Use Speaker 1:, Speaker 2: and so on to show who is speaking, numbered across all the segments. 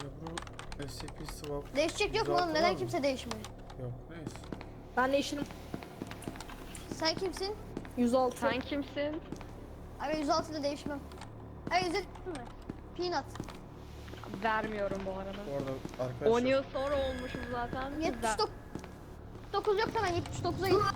Speaker 1: Ebru SCP swap.
Speaker 2: Değişecek yok mu oğlum? Neden kimse değişmiyor?
Speaker 1: Yok neyse.
Speaker 3: Ben değişirim.
Speaker 2: Sen kimsin?
Speaker 3: 106.
Speaker 4: Sen kimsin?
Speaker 2: Abi 106'da değişmem. Abi 107 mi? Peanut.
Speaker 4: Vermiyorum bu arada.
Speaker 1: Bu arada
Speaker 4: 10
Speaker 1: arkadaşlar
Speaker 4: yıl sonra olmuşum zaten.
Speaker 2: 79 yoksa ben 79'a git.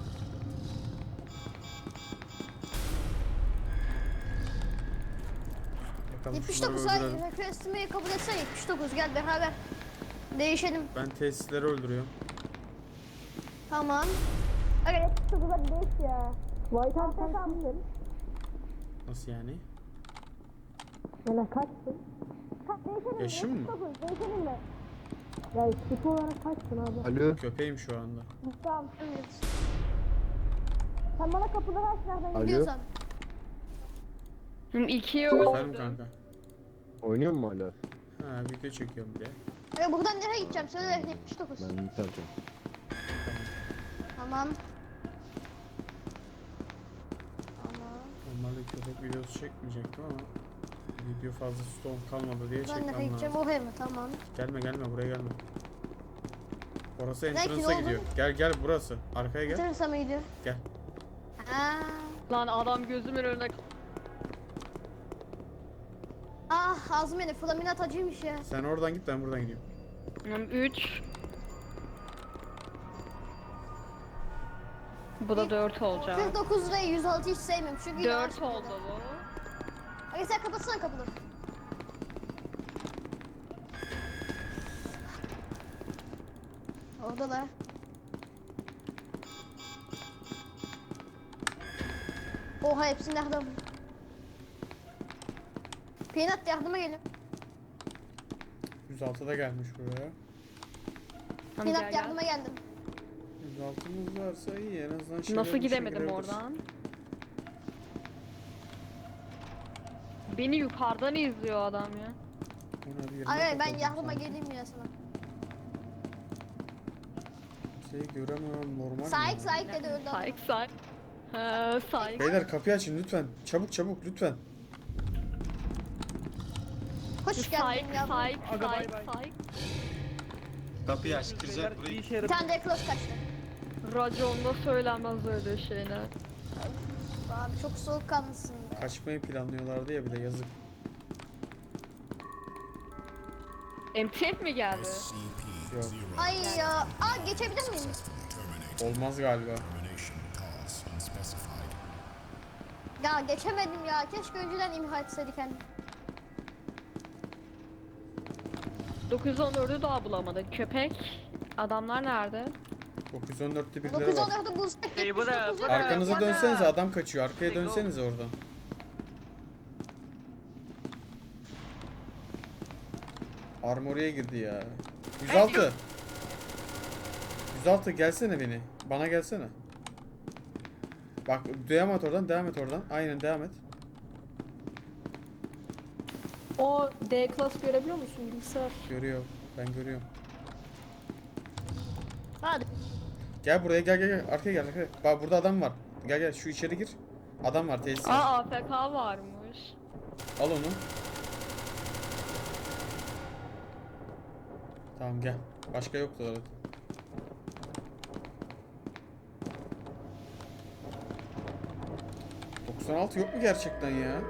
Speaker 1: bakalım
Speaker 2: 79
Speaker 1: şunları öldürelim.
Speaker 2: ay requestimi kabul etsene 79 gel beraber. Değişelim.
Speaker 1: Ben tesisleri öldürüyorum.
Speaker 2: Tamam. Evet 79 hadi değiş ya.
Speaker 3: White House sen kimsin?
Speaker 1: Nasıl yani?
Speaker 3: Yani kaçsın?
Speaker 2: Değişelim.
Speaker 1: Yaşım mı?
Speaker 2: 79 değişelim mi?
Speaker 3: Ya tip olarak kaçsın abi?
Speaker 5: Alo.
Speaker 1: Köpeğim şu anda.
Speaker 2: Tamam. Evet. Sen bana kapıları aç nereden
Speaker 5: Alo.
Speaker 2: gidiyorsan.
Speaker 4: Şimdi 2'ye
Speaker 1: Efendim
Speaker 4: öldüm.
Speaker 1: kanka.
Speaker 5: Oynuyor mu hala?
Speaker 1: Ha video çekiyorum bir de.
Speaker 2: Evet buradan nereye gideceğim söyle 79.
Speaker 5: Ben biterken.
Speaker 2: Tamam. Tamam.
Speaker 1: Normalde köpek videosu çekmeyecektim ama video fazla stone kalmadı diye
Speaker 2: Ben nereye
Speaker 1: çekmem
Speaker 2: gideceğim
Speaker 1: lazım.
Speaker 2: oraya mı? Tamam.
Speaker 1: Gelme buraya gelme. Orası
Speaker 2: Belki
Speaker 1: entrance'a
Speaker 2: ne
Speaker 1: gidiyor.
Speaker 2: oldu?
Speaker 1: Gel burası. Arkaya gel.
Speaker 2: Bitirirse mi gidiyor?
Speaker 1: Gel.
Speaker 2: Ha.
Speaker 4: Lan adam gözümün önüne...
Speaker 2: Ah ağzım beni flaminat acıymış ya.
Speaker 1: Sen oradan git ben buradan gidiyorum.
Speaker 4: 3. Bu da 4 olacak.
Speaker 2: 49 ve 106 hiç sevmiyorum çünkü
Speaker 4: 4 oldu bu.
Speaker 2: Hadi sen kapatsana kapıları. Orada da. Oha hepsi nereden? Peanut yardıma gelin.
Speaker 1: 106'da gelmiş buraya.
Speaker 4: Tamam,
Speaker 2: Peanut
Speaker 4: gel,
Speaker 2: yardıma geldim.
Speaker 1: 106'mız varsa iyi en azından şey
Speaker 4: Nasıl gidemedim oradan? Beni yukarıdan izliyor adam ya.
Speaker 2: Ay ben yardıma geleyim ya sana.
Speaker 1: Şeyi göremiyorum normal.
Speaker 2: Sahip
Speaker 1: mi?
Speaker 2: sahip dedi öldü adam.
Speaker 4: Sayık. Ha, sayık.
Speaker 1: Beyler kapıyı açın lütfen. Çabuk lütfen.
Speaker 2: Hoş geldin yavrum.
Speaker 4: Sayık.
Speaker 6: Kapıyı aç, kıracak burayı.
Speaker 2: Bir tane de close kaçtı.
Speaker 4: Raconda söylenmez öyle şeyler.
Speaker 2: Abi çok soğukkanlısın. be.
Speaker 1: Kaçmayı planlıyorlardı ya bir de yazık.
Speaker 4: MTF mi geldi?
Speaker 1: Yok.
Speaker 2: Ay ya. Aa geçebilir miyim?
Speaker 1: Olmaz galiba.
Speaker 2: Ya geçemedim ya. Keşke önceden imha etseydik hani.
Speaker 4: 914'ü daha bulamadık. Köpek. Adamlar nerede?
Speaker 1: 914'te birileri var.
Speaker 2: 914'ü bulsak
Speaker 6: Hey, bu da-
Speaker 2: 79'u
Speaker 6: bu da-
Speaker 1: Arkanıza
Speaker 6: Bana-
Speaker 1: dönsenize adam kaçıyor. Arkaya dönsenize oradan. Armory'e girdi ya. 106. 106 gelsene beni. Bana gelsene. Bak devam et oradan. Aynen devam et.
Speaker 3: O D class görebiliyor musun bilgisayar?
Speaker 1: Görüyor. Ben görüyorum.
Speaker 2: Hadi.
Speaker 1: Gel buraya gel. Arkaya gel arkaya. Bak burada adam var. Gel şu içeri gir. Adam var tesis var.
Speaker 4: Aa AFK varmış.
Speaker 1: Al onu. Tamam gel. Başka yoktu zaten. ...96 yok mu gerçekten ya?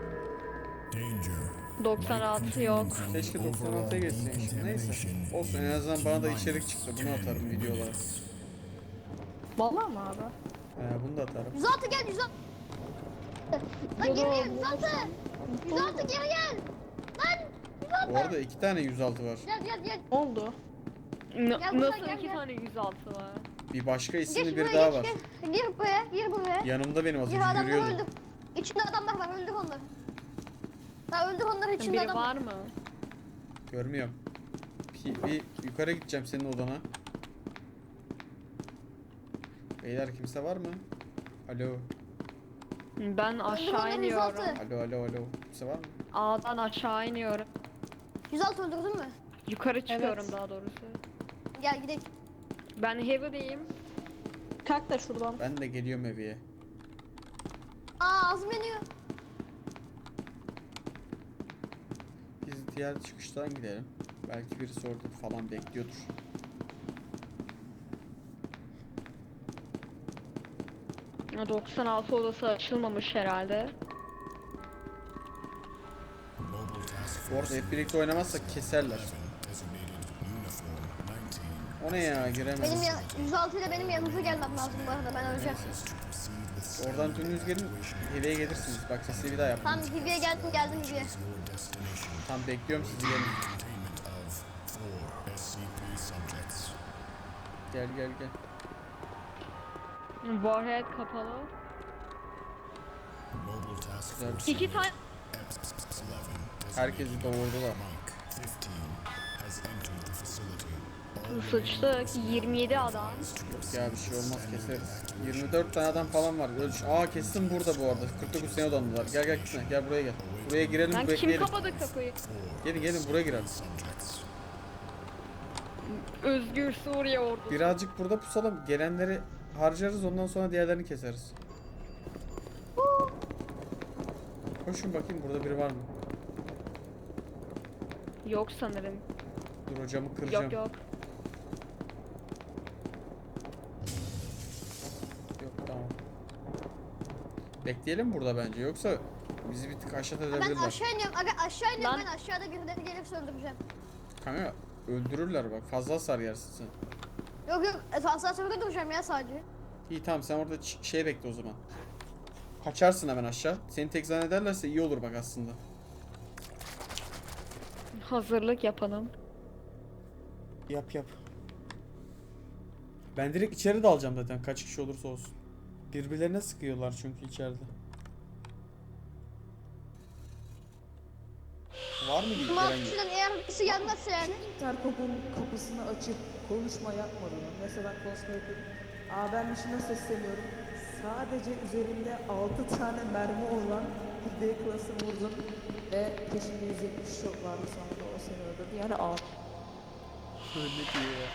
Speaker 4: 96 yok.
Speaker 1: Keşke 96'ya geçseymişim. Neyse. Olsun en azından bana da içerik çıktı. Bunu atarım videolara.
Speaker 3: Vallahi mı abi?
Speaker 1: Bunu da atarım.
Speaker 2: 106 gel 106. Lan geri gel 106. 106 geri gel. Lan 106.
Speaker 1: Bu arada 2 tane 106 var.
Speaker 2: Gel.
Speaker 3: Ne oldu?
Speaker 2: Gel buradan,
Speaker 4: Nasıl
Speaker 2: gel,
Speaker 4: 2
Speaker 2: gel.
Speaker 4: tane 106 var?
Speaker 1: Bir başka
Speaker 2: Geç
Speaker 1: isimli
Speaker 2: buraya
Speaker 1: biri daha
Speaker 2: geç
Speaker 1: var.
Speaker 2: gel. Gir buraya.
Speaker 1: Yanımda benim az
Speaker 2: Gir
Speaker 1: önce
Speaker 2: adamlar
Speaker 1: yürüyordu.
Speaker 2: öldü. İçinde adamlar var öldür onları. Ya öldür onları içinde
Speaker 4: Biri
Speaker 2: adam
Speaker 4: var mı?
Speaker 1: Görmüyorum. Bir yukarı gideceğim senin odana. Beyler kimse var mı? Alo.
Speaker 4: Ben aşağı
Speaker 2: onları,
Speaker 4: iniyorum.
Speaker 2: 106.
Speaker 1: Alo. Kimse var mı?
Speaker 4: A'dan aşağı iniyorum.
Speaker 2: 106 öldürdün mü?
Speaker 4: Yukarı çıkıyorum
Speaker 3: Evet.
Speaker 4: daha doğrusu.
Speaker 2: Gel gidelim.
Speaker 4: Ben heavy'deyim.
Speaker 3: Kalk da şuradan.
Speaker 1: Ben de geliyorum eviye.
Speaker 2: Aa ağzım yanıyor.
Speaker 1: Biz diğer çıkıştan gidelim. Belki birisi orada falan bekliyordur.
Speaker 4: Ya 96 odası açılmamış herhalde.
Speaker 1: Bu arada hep birlikte oynamazsak keserler. O ne ya, giremedim.
Speaker 2: Benim 106 ile benim yanınıza gelmem lazım bu arada, ben öleceğim.
Speaker 1: Oradan dönünüz gelin, heve'ye gelirsiniz. Bak sesli bir daha yapın.
Speaker 2: Tam Hibi'ye geldim Hibi'ye.
Speaker 1: Tam bekliyorum sizi, gelin. Gel gel gel.
Speaker 4: Warhead kapalı.
Speaker 1: Güzel bir şey.
Speaker 4: 2 tane
Speaker 1: Herkesi doğurdular.
Speaker 4: sıçtık. 27 adam.
Speaker 1: Yok ya, bir şey olmaz, keseriz. 24 tane adam falan var. Kesin burada bu arada. 49 sene odandılar. Gel gel gitme. Gel buraya gel. Buraya girelim,
Speaker 4: Lan kim
Speaker 1: bekleyelim.
Speaker 4: kapadı kapıyı?
Speaker 1: Gelin gelin, buraya girelim.
Speaker 4: Özgür Suriye ordusu.
Speaker 1: Birazcık burada pusalım. Gelenleri harcarız, ondan sonra diğerlerini keseriz. Koşun bakayım, burada biri var mı?
Speaker 4: Yok sanırım.
Speaker 1: Dur, hocamı kıracağım.
Speaker 4: Yok yok.
Speaker 1: Yok, tamam. Bekleyelim burada bence, yoksa bizi bir tık aşağı
Speaker 2: Ben
Speaker 1: edebilirler.
Speaker 2: aşağı iniyorum. Aga aşağı iniyorum,
Speaker 4: Lan.
Speaker 2: ben aşağıda birileri gelip öldüreceğim.
Speaker 1: Kanka öldürürler bak, fazla hasar yersin sen.
Speaker 2: Yok yok, asansörde duracağım ya sadece.
Speaker 1: İyi tamam, sen orada şey bekle o zaman. Kaçarsın hemen aşağı. Seni tek zannederlerse iyi olur bak aslında.
Speaker 4: Hazırlık yapalım.
Speaker 1: Yap yap. Ben direkt içeri dalacağım zaten, kaç kişi olursa olsun. Birbirlerine sıkıyorlar çünkü içeride. Var mı
Speaker 2: Ama
Speaker 1: gelen gibi?
Speaker 2: kişiden eğer birisi gelmezse yani.
Speaker 7: Intercom'un kapısını açıp konuşma yapmadığını, mesela konuşma yapıp ben dışına sesleniyorum. Sadece üzerinde 6 tane mermi olan bir D klası vurdum ve peşinde 170 şok vardı, sonra da o seni öldürdü. Yani
Speaker 1: Öyle diyor ya.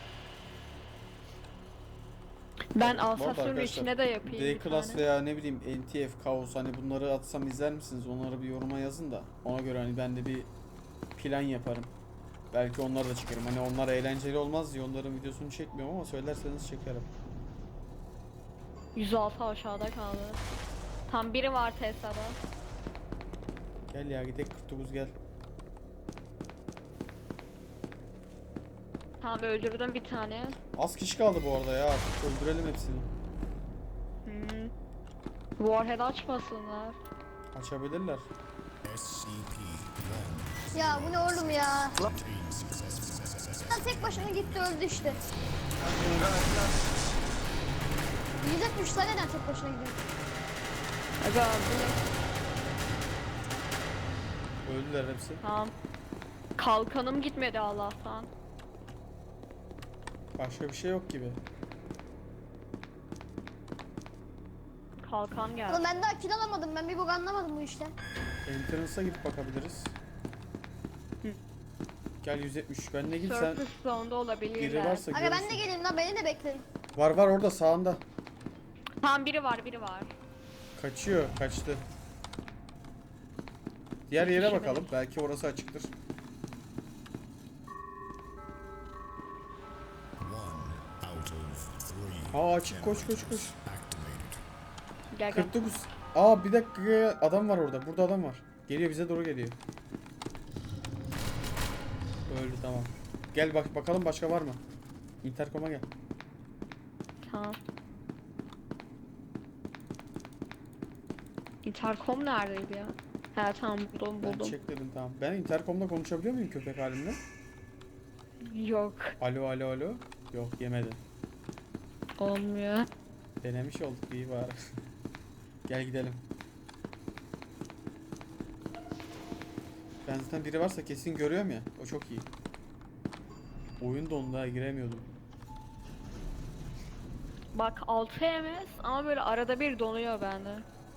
Speaker 4: Ben
Speaker 1: Bu arada
Speaker 4: Alsasya'nın
Speaker 1: arkadaşlar,
Speaker 4: içine de yapayım bir
Speaker 1: D-Class
Speaker 4: tane.
Speaker 1: veya ne bileyim NTF, Kaos, hani bunları atsam izler misiniz? Onları bir yoruma yazın da ona göre hani ben de bir plan yaparım. Belki onları da çekerim. Hani onlar eğlenceli olmaz diye onların videosunu çekmiyorum ama söylerseniz çekerim.
Speaker 4: 106 aşağıda kaldı. Tam biri var Tesla'da.
Speaker 1: Gel ya, gidelim 49 gel.
Speaker 4: Tamam öldürdüm bir tane.
Speaker 1: Az kişi kaldı bu arada ya, artık öldürelim hepsini.
Speaker 4: Warhead açmasınlar.
Speaker 1: Açabilirler.
Speaker 2: Ya bu ne oğlum ya? Lan tek başına gitti öldü işte. 170 tane neden tek başına gidiyor?
Speaker 4: Aga bu ne?
Speaker 1: Öldüler hepsi.
Speaker 4: Tamam. Kalkanım gitmedi Allah'tan.
Speaker 1: Başka bir şey yok gibi.
Speaker 4: Kalkan
Speaker 2: Oğlum
Speaker 4: geldi.
Speaker 2: ben daha kill alamadım, ben bir bok anlamadım bu işten.
Speaker 1: Entrance'a gidip bakabiliriz. Gel 173. Ben ne git sen.
Speaker 4: Surface zone'da olabilirler.
Speaker 1: Biri varsa
Speaker 2: Aga
Speaker 1: görürsün.
Speaker 2: ben de geleyim lan, beni de bekleyin.
Speaker 1: Var var, orada sağında.
Speaker 4: Tamam biri var biri var.
Speaker 1: Kaçıyor, kaçtı. Diğer yere bakalım. Belki orası açıktır. Açık, koş koş koş.
Speaker 4: Gel gel.
Speaker 1: 49. Bir dakika, adam var orada. Burada adam var. Geliyor, bize doğru geliyor. Öldü, tamam. Gel bak bakalım, başka var mı? Intercom'a gel.
Speaker 4: Tamam. Intercom neredeydi ya? He tamam buldum
Speaker 1: Ben
Speaker 4: buldum.
Speaker 1: çek dedim, tamam. Ben intercom'da konuşabiliyor muyum köpek halimle?
Speaker 4: Yok.
Speaker 1: Alo alo alo. Yok, yemedi.
Speaker 4: Olmuyor.
Speaker 1: Denemiş olduk, iyi bari. Gel gidelim. Ben zaten biri varsa kesin görüyorum ya. O çok iyi. Oyun dondu ha, giremiyordum.
Speaker 4: Bak 6 MS ama böyle arada bir donuyor bende.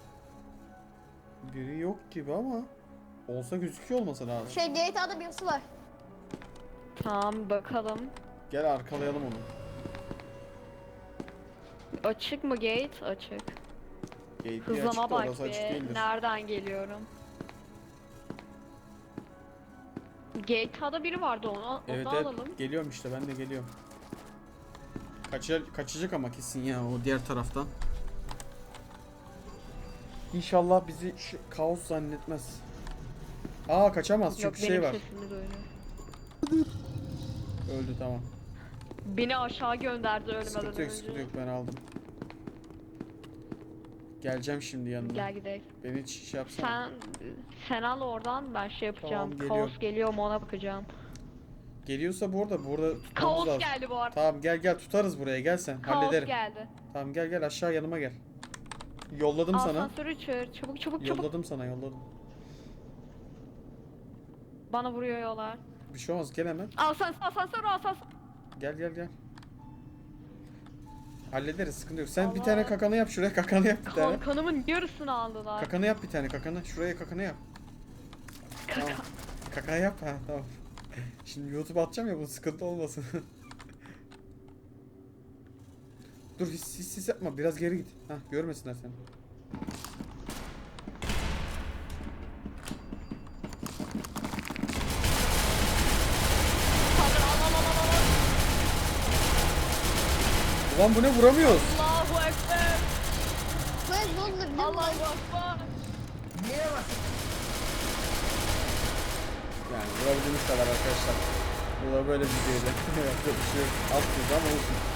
Speaker 1: Biri yok gibi ama olsa gözüküyor olması lazım.
Speaker 2: GTA'da birisi var.
Speaker 4: Tamam bakalım.
Speaker 1: Gel arkalayalım onu.
Speaker 4: Açık mı gate? Açık.
Speaker 1: Gate açık
Speaker 4: Hızlama
Speaker 1: da
Speaker 4: bak
Speaker 1: orası açık
Speaker 4: be.
Speaker 1: değildir.
Speaker 4: Nereden geliyorum? GTA'da biri vardı onu
Speaker 1: Evet
Speaker 4: onu
Speaker 1: evet
Speaker 4: alalım.
Speaker 1: geliyorum işte ben de geliyorum. Kaçacak ama kesin ya o diğer taraftan. İnşallah bizi şu kaos zannetmez. Aa kaçamaz
Speaker 4: Yok
Speaker 1: çünkü
Speaker 4: benim
Speaker 1: şey var.
Speaker 4: sesimi duyuyor.
Speaker 1: Öldü tamam.
Speaker 4: Beni aşağı gönderdi ölmeden
Speaker 1: Sıkıntı yok
Speaker 4: önce.
Speaker 1: sıkıntı yok ben aldım. Geleceğim şimdi yanına.
Speaker 4: Gel gidelim.
Speaker 1: Beni hiç şey yapsana.
Speaker 4: Sen al oradan ben şey yapacağım.
Speaker 1: Tamam,
Speaker 4: Kaos
Speaker 1: geliyorum.
Speaker 4: geliyor mu ona bakacağım.
Speaker 1: Geliyorsa burada tutmamız
Speaker 4: Kaos
Speaker 1: lazım.
Speaker 4: geldi bu arada.
Speaker 1: Tamam gel tutarız buraya gel sen
Speaker 4: Kaos
Speaker 1: hallederim.
Speaker 4: geldi.
Speaker 1: Tamam gel aşağı yanıma gel. Yolladım sana.
Speaker 4: Asansörü çağır. Çabuk çabuk.
Speaker 1: Yolladım sana yolladım.
Speaker 4: Bana vuruyorlar.
Speaker 1: Bir şey olmaz gel hemen.
Speaker 4: Asansör.
Speaker 1: Gel. Hallederiz sıkıntı yok. Sen bir
Speaker 4: Allah.
Speaker 1: tane kakanı yap şuraya kakanı yap bir tane.
Speaker 4: Kanımın yarısını aldılar.
Speaker 1: Kakanı yap bir tane kakanı. Şuraya kakanı yap. Tamam. Kaka yap ha tamam. Şimdi YouTube atacağım ya bu sıkıntı olmasın. Dur hiss yapma biraz geri git. Hah görmesinler seni. Ulan bu ne vuramıyoruz.
Speaker 4: Allahu Ekber.
Speaker 2: Ben dondurdum.
Speaker 4: Allahu Ekber.
Speaker 1: Yani vurabildiğimiz kadar arkadaşlar. Bu da böyle bir videoydu. Yapacak bir şey yok. Alt ama olsun.